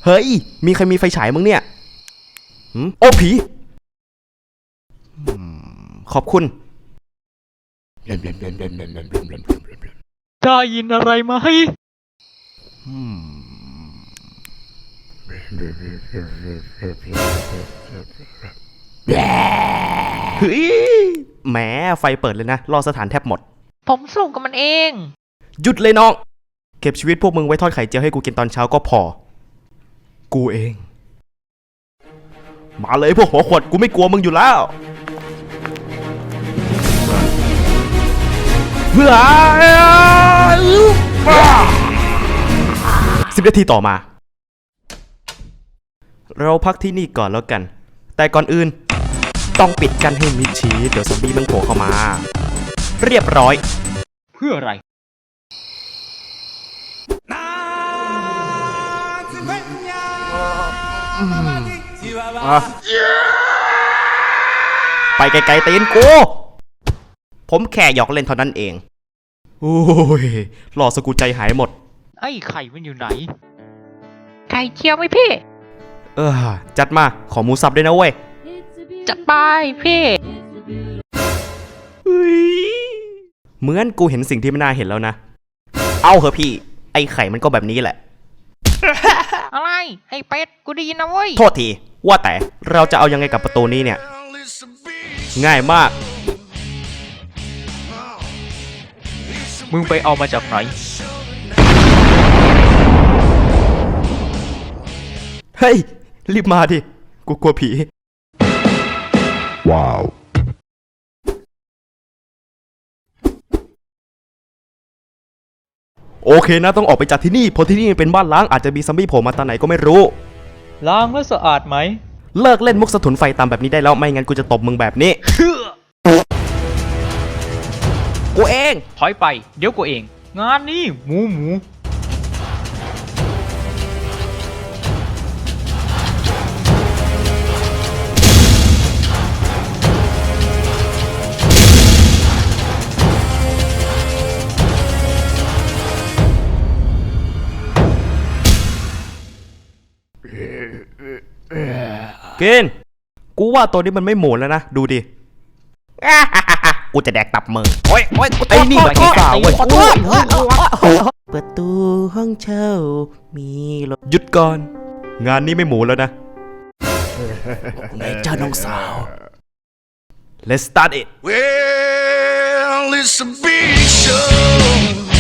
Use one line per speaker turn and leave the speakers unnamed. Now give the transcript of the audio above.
เฮ้ยมีใครมีไฟฉายมึงเนี่ยโอ้ผีขอบคุณ
ได้ยินอะไรไหม
เฮ้ยแหมไฟเปิดเลยนะรอสถานแทบหมด
ผมสู้กับมันเอง
หยุดเลยน้องเก็บชีวิตพวกมึงไว้ทอดไข่เจียวให้กูกินตอนเช้าก็พอกูเองมาเลยพวกหัวขวดกูไม่กลัวมึงอยู่แล้วเพื่อ10 นาทีต่อมาเราพักที่นี่ก่อนแล้วกันแต่ก่อนอื่นต้องปิดกันให้มิดชิดเดี๋ยวซอมบี้มันโผล่เข้ามาเรียบร้อย
เพื่ออะไร
ไปไกลๆตีนกูผมแค่หยอกเล่นเท่านั้นเองโอ้ยหล่อสกุลใจหายหมด
ไอ้ไข่มันอยู่ไหน
ไข่เจียวไหมพี่
จัดมาขอหมูสับด้วยนะเว้ย
จัดไปพี่
เหมือนกูเห็นสิ่งที่ไม่น่าเห็นแล้วนะเอาเหอะพี่ไอ้ไข่มันก็แบบนี้แหละ
อะไรไอ้เป็ดกูได้ยินนะเว้ย
โทษทีว่าแต่เราจะเอายังไงกับประตูนี้เนี่ยง่ายมาก
มึงไปเอามาจากไหน
เฮ้ยรีบมาดิกูกลัวผีว้าวโอเคนะต้องออกไปจากที่นี่เพราะที่นี่เป็นบ้านล้างอาจจะมีซัมบี้โผล่มาตอนไหนก็ไม่รู้
ล้างแล้วสะอาดไหม
เลิกเล่นมุกสะทุนไฟตามแบบนี้ได้แล้วไม่งั้นกูจะตบมึงแบบนี้กูเอง
ถอยไปเดี๋ยวกูเองงานนี้หมู
กินกูว่าตัวนี้มันไม่หมุนแล้วนะดูดิกูจะแดกตับมึงโอ้ยไอ้นี่มันขี้กาเว้ยประตูห้องเช่ามีรถหยุดก่อนงานนี้ไม่หมูแล้วนะไงเจ้าน้องสาว Let's start it
Well, it's a big show